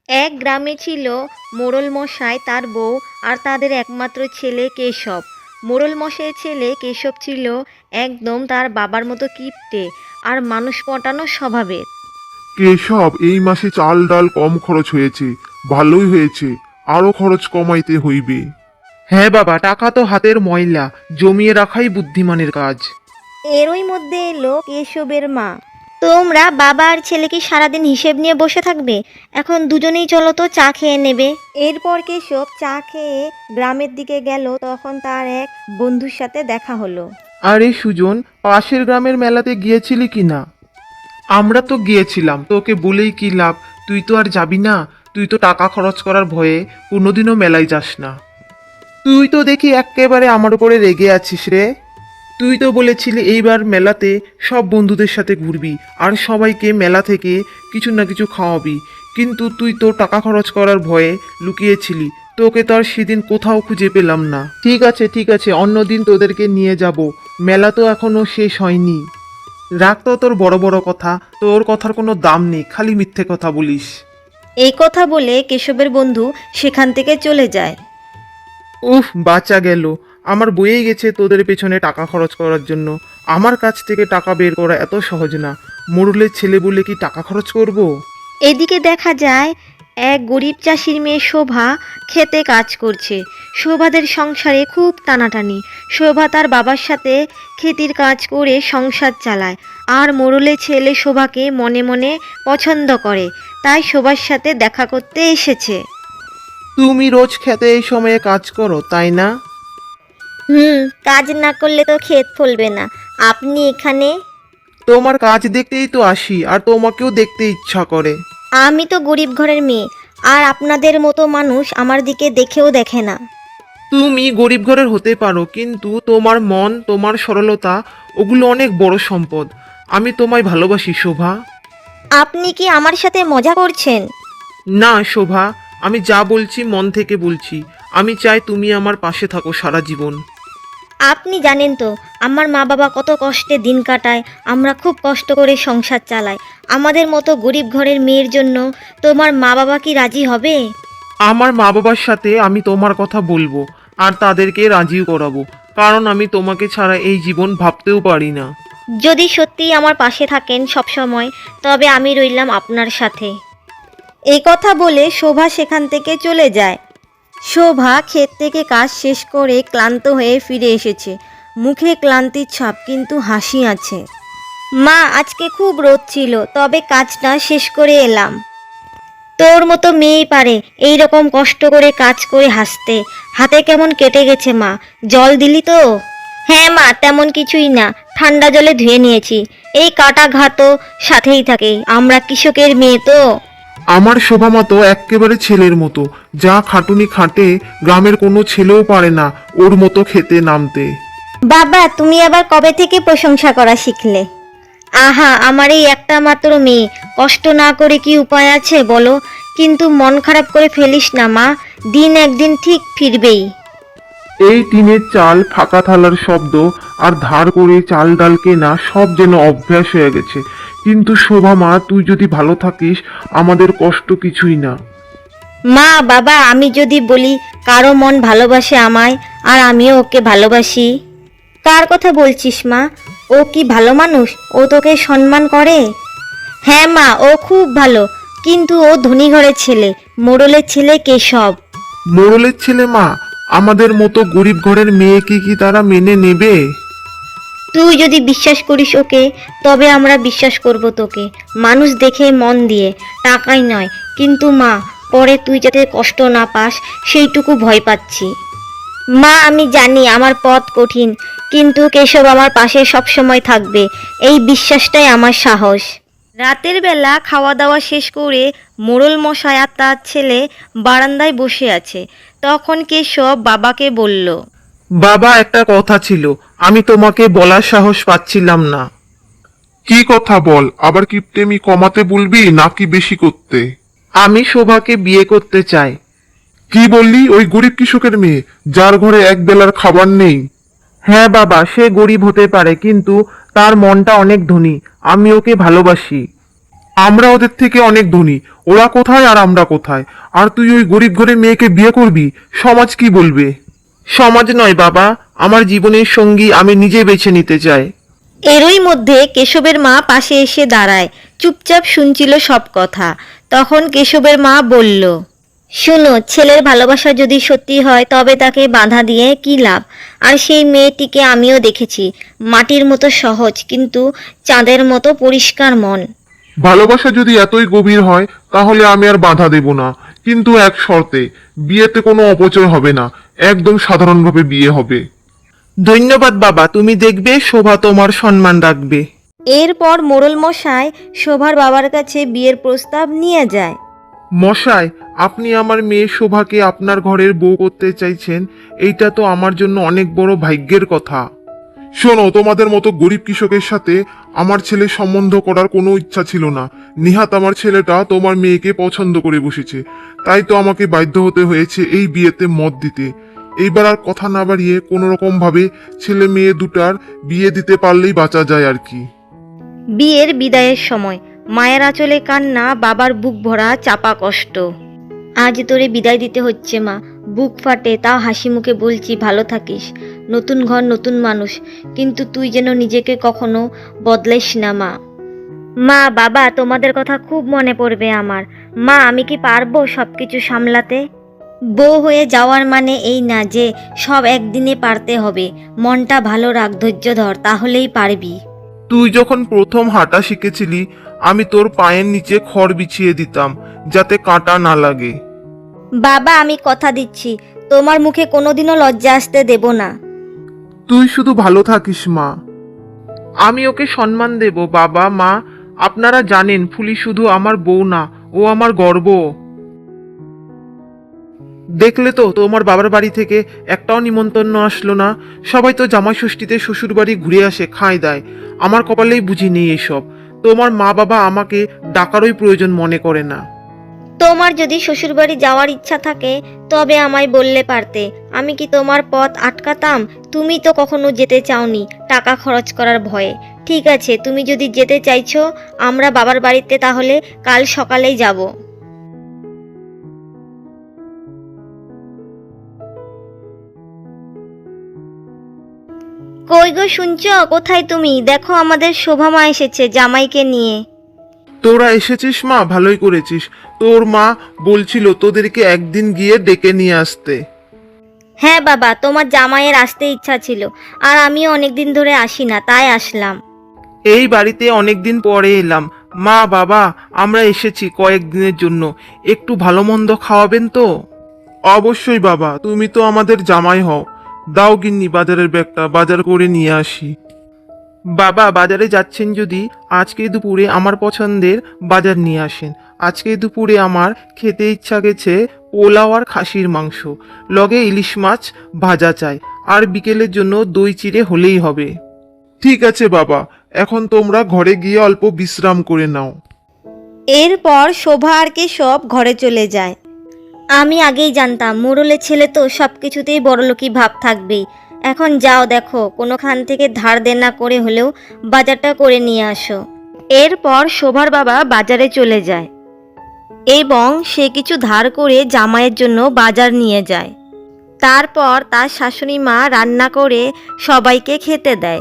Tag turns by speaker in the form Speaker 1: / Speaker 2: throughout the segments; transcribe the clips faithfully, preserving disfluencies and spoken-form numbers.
Speaker 1: এক গ্রামে ছিল মোড়ল মশাই, তার বউ আর তাদের একমাত্র ছেলে কেশব। মোড়ল মশাইয়ের ছেলে কেশব ছিল একদম তার বাবার মতো কিপ্টে আর মানুষ পটানো স্বভাবের।
Speaker 2: কেশব, এই মাসে চাল ডাল কম খরচ হয়েছে। ভালোই হয়েছে, আরো খরচ কমাইতে হইবে।
Speaker 3: হ্যাঁ বাবা, টাকা তো হাতের ময়লা, জমিয়ে রাখাই বুদ্ধিমানের কাজ।
Speaker 1: এরই মধ্যে এলো কেশবের মা। তোমরা বাবা আর ছেলে কি সারাদিন হিসেব নিয়ে বসে থাকবে? এখন দুজনেই চলো তো চা খেয়ে নেবে। এরপর কেশব চা খেয়ে গ্রামের দিকে গেল। তখন তার এক বন্ধুর সাথে দেখা হলো।
Speaker 3: আরে সুজন, পাশের গ্রামের মেলাতে গিয়েছিলি কি না? আমরা তো গিয়েছিলাম, তোকে বলেই কি লাভ? তুই তো আর যাবি না। তুই তো টাকা খরচ করার ভয়ে কোনোদিনও মেলায় যাস না। তুই তো দেখি একেবারে আমার উপরে রেগে আছিস রে। তুই তো বলেছিলি এইবার মেলাতে সব বন্ধুদের সাথে ঘুরবি আর সবাইকে মেলা থেকে কিছু না কিছু খাওয়াবি, কিন্তু তুই তো টাকা খরচ করার ভয়ে লুকিয়েছিলি। তোকে তো আর সেদিন কোথাও খুঁজে পেলাম না। ঠিক আছে ঠিক আছে, অন্যদিন তোদেরকে নিয়ে যাব। মেলা তো এখনো শেষ হয়নি। রাখ তো তোর বড় বড় কথা, তোর কথার কোনো দাম নেই, খালি মিথ্যে কথা বলিস।
Speaker 1: এই কথা বলে কেশবের বন্ধু সেখান থেকে চলে যায়।
Speaker 3: উফ, বাঁচা গেল। আমার বয়েই গেছে তোদের পেছনে টাকা খরচ করার জন্য। আমার কাছ থেকে টাকা বের করা এত সহজ না। মোড়লের ছেলে বলে কি টাকা খরচ করব?
Speaker 1: এদিকে দেখা যায় এক গরিব চাষির মেয়ে শোভা খেতে কাজ করছে। শোভাদের সংসারে খুব টানাটানি। শোভা তার বাবার সাথে খেতির কাজ করে সংসার চালায়, আর মোড়লের ছেলে শোভাকে মনে মনে পছন্দ করে, তাই শোভার সাথে দেখা করতে এসেছে।
Speaker 3: তুমি রোজ খেতে এই সময়ে কাজ করো, তাই না?
Speaker 1: হুম, কাজ না করলে তো ক্ষেত ফলবে না। আপনি এখানে?
Speaker 3: তোমার কাজ দেখতেই তো আসি, আর তোমাকেও দেখতে ইচ্ছা করে।
Speaker 1: আমি তো গরিব ঘরের মেয়ে, আর আপনাদের মতো মানুষ আমার দিকে দেখেও দেখে না।
Speaker 3: তুমি গরিব ঘরের হতে পারো, কিন্তু তোমার মন, তোমার সরলতা, ওগুলো অনেক বড় সম্পদ। আমি তোমায় ভালোবাসি শোভা।
Speaker 1: আপনি কি আমার সাথে মজা করছেন?
Speaker 3: না শোভা, আমি যা বলছি মন থেকে বলছি। আমি চাই তুমি আমার পাশে থাকো সারা জীবন।
Speaker 1: আপনি জানেন তো আমার মা বাবা কত কষ্টে দিন কাটায়, আমরা খুব কষ্ট করে সংসার চালাই। আমাদের মতো গরিব ঘরের মেয়ের জন্য তোমার মা বাবা কি রাজি হবে?
Speaker 3: আমার মা বাবার সাথে আমি তোমার কথা বলবো, আর তাদেরকে রাজিও করাবো, কারণ আমি তোমাকে ছাড়া এই জীবন ভাবতেও পারি না।
Speaker 1: যদি সত্যিই আমার পাশে থাকেন সব সময়, তবে আমি রইলাম আপনার সাথে। এই কথা বলে শোভা সেখান থেকে চলে যায়। শোভা ক্ষেত থেকে কাজ শেষ করে ক্লান্ত হয়ে ফিরে এসেছে। মুখে ক্লান্তির ছাপ, কিন্তু হাসি আছে। মা, আজকে খুব রোদ ছিল, তবে কাজটা শেষ করে এলাম। তোর মতো মেয়েই পারে এই রকম কষ্ট করে কাজ করে হাসতে। হাতে কেমন কেটে গেছে মা, জল দিলি তো? হ্যাঁ মা, তেমন কিছুই না, ঠান্ডা জলে ধুয়ে নিয়েছি। এই কাটা ঘাতও সাথেই থাকে, আমরা কৃষকের মেয়ে তো।
Speaker 3: আমার শোভা মতো একেবারে ছেলের মতো, যা খাটুনি খাটে গ্রামের কোনো ছেলেও পারে না ওর মতো খেতে নামতে।
Speaker 1: বাবা, তুমি আবার কবে থেকে প্রশংসা করা শিখলে? আহা, আমার এই একটা মাত্র মেয়ে, কষ্ট না করে কি উপায় আছে বলো? কিন্তু মন খারাপ করে ফেলিস না মা, দিন একদিন ঠিক ফিরবেই।
Speaker 3: এই টিনের চাল, ফাঁকা থালার শব্দ আর ধার করে চাল ডাল কেনা সব যেন অভ্যাস হয়ে গেছে। কিন্তু শোভা মা, তুই যদি ভালো থাকিস আমাদের কষ্ট কিছুই না।
Speaker 1: মা বাবা, আমি যদি বলি কারো মন ভালোবাসে আমায়, আর আমিও ওকে ভালোবাসি। কার কথা বলছিস মা? ও কি ভালো মানুষ? ও তোকে সম্মান করে? হ্যাঁ মা, ও খুব ভালো, কিন্তু ও ধনী ঘরের ছেলে, মোড়লের ছেলে কেশব।
Speaker 3: মোড়লের ছেলে মা, আমাদের মতো গরিব ঘরের মেয়েকে কি তারা মেনে নেবে?
Speaker 1: তুই যদি বিশ্বাস করিস ওকে, তবে আমরা বিশ্বাস করব তোকে, মানুষ দেখে মন দিয়ে, টাকাই নয়। কিন্তু মা, পরে তুই যাতে কষ্ট না পাস সেইটুকু ভয় পাচ্ছি। মা, আমি জানি আমার পথ কঠিন, কিন্তু কেশব আমার পাশে সব সময় থাকবে, এই বিশ্বাসটাই আমার সাহস। রাতের বেলা খাওয়া দাওয়া শেষ করে মোড়ল মশাই আর তার ছেলে বারান্দায় বসে আছে। তখন কেশব বাবাকে বলল,
Speaker 3: বাবা, একটা কথা ছিল, আমি তোমাকে বলার সাহস পাচ্ছিলাম না।
Speaker 2: কি কথা বল, আবার কিপটেমি কমাতে বলবি নাকি বেশি করতে?
Speaker 3: আমি শোভাকে বিয়ে করতে চাই।
Speaker 2: কি বললি? ওই গরিব কৃষকের মেয়ে, যার ঘরে এক বেলার খাবার নেই?
Speaker 3: হ্যাঁ বাবা, সে গরিব হতে পারে, কিন্তু তার মনটা অনেক ধনী। আমি ওকে ভালোবাসি।
Speaker 2: আমরা ওদের থেকে অনেক ধনী, ওরা কোথায় আর আমরা কোথায়? আর তুই ওই গরিব ঘরে মেয়েকে বিয়ে করবি? সমাজ কি বলবে?
Speaker 3: সমাজ নয় বাবা, আমার জীবনের সঙ্গী আমি নিজে বেছে নিতে চাই।
Speaker 1: এরই মধ্যে কেশবের মা পাশে এসে দাঁড়ায়, চুপচাপ শুনছিল সব কথা। তখন কেশবের মা বলল, শোনো, ছেলের ভালোবাসা যদি সত্যি হয় তবে তাকে বাধা দিয়ে কী লাভ? আর সেই মেয়েটিকে আমিও দেখেছি, মাটির মতো সহজ কিন্তু চাঁদের মতো পরিষ্কার মন।
Speaker 2: ভালোবাসা যদি এতই গভীর হয় তাহলে আমি আর বাধা দেব না, কিন্তু এক শর্তে, বিয়েতে কোনো অপচয় হবে না, একদম সাধারণভাবে বিয়ে হবে।
Speaker 3: ধন্যবাদ বাবা, তুমি দেখবে শোভা তোমার সম্মান রাখবে।
Speaker 1: এরপর মোড়ল মশাই শোভার বাবার কাছে বিয়ের প্রস্তাব নিয়ে যায়।
Speaker 2: মশাই, আপনি আমার মেয়ে শোভাকে আপনার ঘরের বউ করতে চাইছেন, এইটা তো আমার জন্য অনেক বড় ভাগ্যের কথা। শোনো, তোমাদের মতো গরিব কৃষকের সাথে আমার ছেলে সম্বন্ধ করার কোনো ইচ্ছা ছিল না। নিহাত আমার ছেলেটা তোমার মেয়েকে পছন্দ করে বসেছে, তাই তো আমাকে বাধ্য হতে হয়েছে এই বিয়েতে মত দিতে। এইবার আর কথা না বাড়িয়ে কোনো রকম ভাবে ছেলে মেয়ে দুটার বিয়ে দিতে পারলেই বাঁচা যায় আর কি।
Speaker 1: বিয়ের বিদায়ের সময় মায়ের আঁচলে কান্না, বাবার বুক ভরা চাপা কষ্ট। আজ তোরে বিদায় দিতে হচ্ছে মা, বুক ফাটে, তাও হাসি মুখে বলছি ভালো থাকিস। নতুন ঘর, নতুন মানুষ, কিন্তু তুই যেন নিজেকে কখনো বদলাইস না মা। মা, বাবা, তোমাদের কথা খুব মনে পড়বে আমার। মা, আমি কি পারবো সব কিছু সামলাতে? বউ হয়ে যাওয়ার মানে এই না যে সব একদিনে পারতে হবে। মনটা ভালো রাখ, ধৈর্য ধর, তাহলেই পারবি।
Speaker 3: তুই যখন প্রথম হাঁটা শিখেছিলি আমি তোর পায়ের নিচে খড় বিছিয়ে দিতাম যাতে কাঁটা না লাগে।
Speaker 1: বাবা, আমি কথা দিচ্ছি তোমার মুখে কোনোদিনও লজ্জা আসতে দেব না।
Speaker 3: তুই শুধু ভালো থাকিস মা। আমি ওকে সম্মান দেব বাবা মা। আপনারা জানেন ফুলি শুধু আমার বউ না, ও আমার গর্ব। দেখলে তো তোমার বাবার বাড়ি থেকে একটাও নিমন্ত্রণ আসলো না। সবাই তো জামাই ষষ্ঠীতে শ্বশুর বাড়ি ঘুরে আসে, খায় দায়। আমার কপালেই বুঝি নেই এসব। তোমার মা বাবা আমাকে ডাকারই প্রয়োজন মনে করে না।
Speaker 1: তোমার যদি শ্বশুরবাড়ি যাওয়ার ইচ্ছা থাকে তবে আমায় বললে পারতে, আমি কি তোমার পথ আটকাতাম? তুমি তো কখনো যেতে চাওনি টাকা খরচ করার ভয়ে। ঠিক আছে, তুমি যদি যেতে চাইছো আমরা বাবার বাড়িতে তাহলে কাল সকালেই যাব। কই গো, শুনছো? কোথায় তুমি? দেখো, আমাদের শোভা মা এসেছে জামাইকে নিয়ে।
Speaker 3: তোরা এসেছিস মা, ভালোই করেছিস। তোর মা বলছিল তোদেরকে একদিন গিয়ে ডেকে নিয়ে আসতে।
Speaker 1: হ্যাঁ বাবা, তোমার জামাইয়ের আসতে ইচ্ছা ছিল, আর আমিও অনেকদিন ধরে আসি না, তাই আসলাম।
Speaker 3: এই বাড়িতে অনেকদিন পরে এলাম। মা বাবা, আমরা এসেছি কয়েকদিনের জন্য, একটু ভালো মন্দ খাওয়াবেন তো? অবশ্যই বাবা, তুমি তো আমাদের জামাই হও। দাও গিন্নি বাজারের ব্যাগটা, বাজার করে নিয়ে আসি। বাবা, বাজারে যাচ্ছেন যদি আজকে দুপুরে আমার পছন্দের বাজার নিয়ে আসেন। আজকে দুপুরে আমার খেতে ইচ্ছা গেছে পোলাও আর খাসির মাংস, লগে ইলিশ মাছ ভাজা চাই, আর বিকেলের জন্য দই চিড়ে হলেই হবে।
Speaker 2: ঠিক আছে বাবা, এখন তোমরা ঘরে গিয়ে অল্প বিশ্রাম করে নাও।
Speaker 1: এরপর শোভা আর কেশব ঘরে চলে যায়। আমি আগেই জানতাম মোড়লের ছেলে তো সব কিছুতেই বড়লোকি ভাব থাকবেই। এখন যাও, দেখো কোনোখান থেকে ধার দেনা করে হলেও বাজারটা করে নিয়ে আসো। এরপর শোভার বাবা বাজারে চলে যায় এবং সে কিছু ধার করে জামাইয়ের জন্য বাজার নিয়ে যায়। তারপর তার শাশুড়ি মা রান্না করে সবাইকে খেতে দেয়।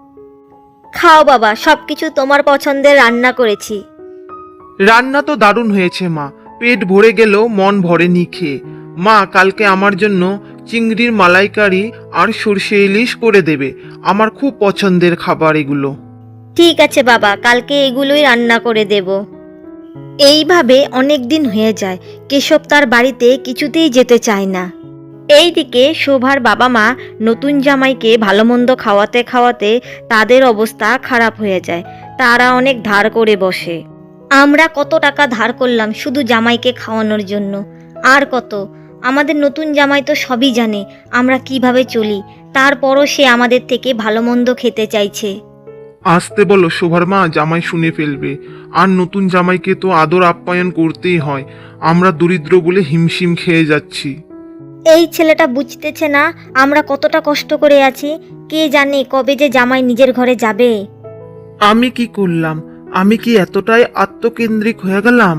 Speaker 1: খাও বাবা, সব কিছু তোমার পছন্দের রান্না করেছি।
Speaker 3: রান্না তো দারুণ হয়েছে মা, পেট ভরে গেলেও মন ভরেনি খেয়ে। মা, কালকে আমার জন্য চিংড়ির মালাইকারি আর সর্ষে ইলিশ করে দেবে। আমার খুব পছন্দের খাবার এগুলো।
Speaker 1: ঠিক আছে বাবা, কালকে এগুলোই রান্না করে দেব। এইভাবে অনেক দিন হয়ে যায়, কেশব তার বাড়িতে কিছুতেই যেতে চায় না। এইদিকে শোভার বাবা মা নতুন জামাইকে ভালো মন্দ খাওয়াতে খাওয়াতে তাদের অবস্থা খারাপ হয়ে যায়। তারা অনেক ধার করে বসে। আমরা কত টাকা ধার করলাম শুধু জামাইকে খাওয়ানোর জন্য, আর কত। আমাদের নতুন জামাই তো সবই জানে আমরা কিভাবে চলি, তারপরও সে আমাদের থেকে ভালো মন্দ খেতে চাইছে।
Speaker 2: আসতে বলো শোভার মা, জামাই শুনে ফেলবে। আর নতুন জামাইকে তো আদর আপ্যায়ন করতেই হয়। আমরা দরিদ্র বলে হিমশিম খেয়ে যাচ্ছি।
Speaker 1: এই ছেলেটা বুঝতেছে না আমরা কতটা কষ্ট করে আছি। কে জানে কবে যে জামাই নিজের ঘরে যাবে।
Speaker 3: আমি কি করলাম? আমি কি এতটাই আত্মকেন্দ্রিক হয়ে গেলাম?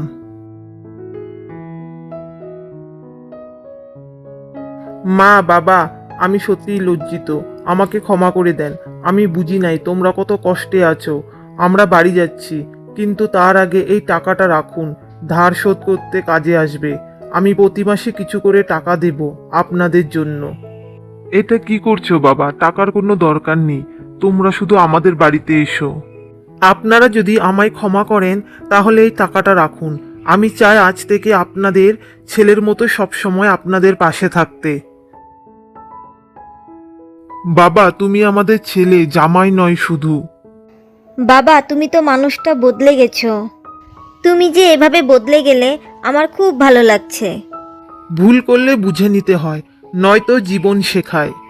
Speaker 3: মা, বাবা, আমি সত্যিই লজ্জিত। আমাকে ক্ষমা করে দেন। আমি বুঝি নাই তোমরা কত কষ্টে আছো। আমরা বাড়ি যাচ্ছি, কিন্তু তার আগে এই টাকাটা রাখুন, ধার শোধ করতে কাজে আসবে। আমি প্রতি মাসে কিছু করে টাকা দেব আপনাদের জন্য।
Speaker 2: এটা কি করছো বাবা? টাকার কোনো দরকার নেই, তোমরা শুধু আমাদের বাড়িতে এসো।
Speaker 3: আপনারা যদি আমায় ক্ষমা করেন তাহলে এই টাকাটা রাখুন। আমি চাই আজ থেকে আপনাদের ছেলের মতো সবসময় আপনাদের পাশে থাকতে।
Speaker 2: বাবা, তুমি আমাদের ছেলে, জামাই নয় শুধু।
Speaker 1: বাবা, তুমি তো মানুষটা বদলে গেছো। তুমি যে এভাবে বদলে গেলে আমার খুব ভালো লাগছে।
Speaker 3: ভুল করলে বুঝে নিতে হয়, নয়তো জীবন শেখায়।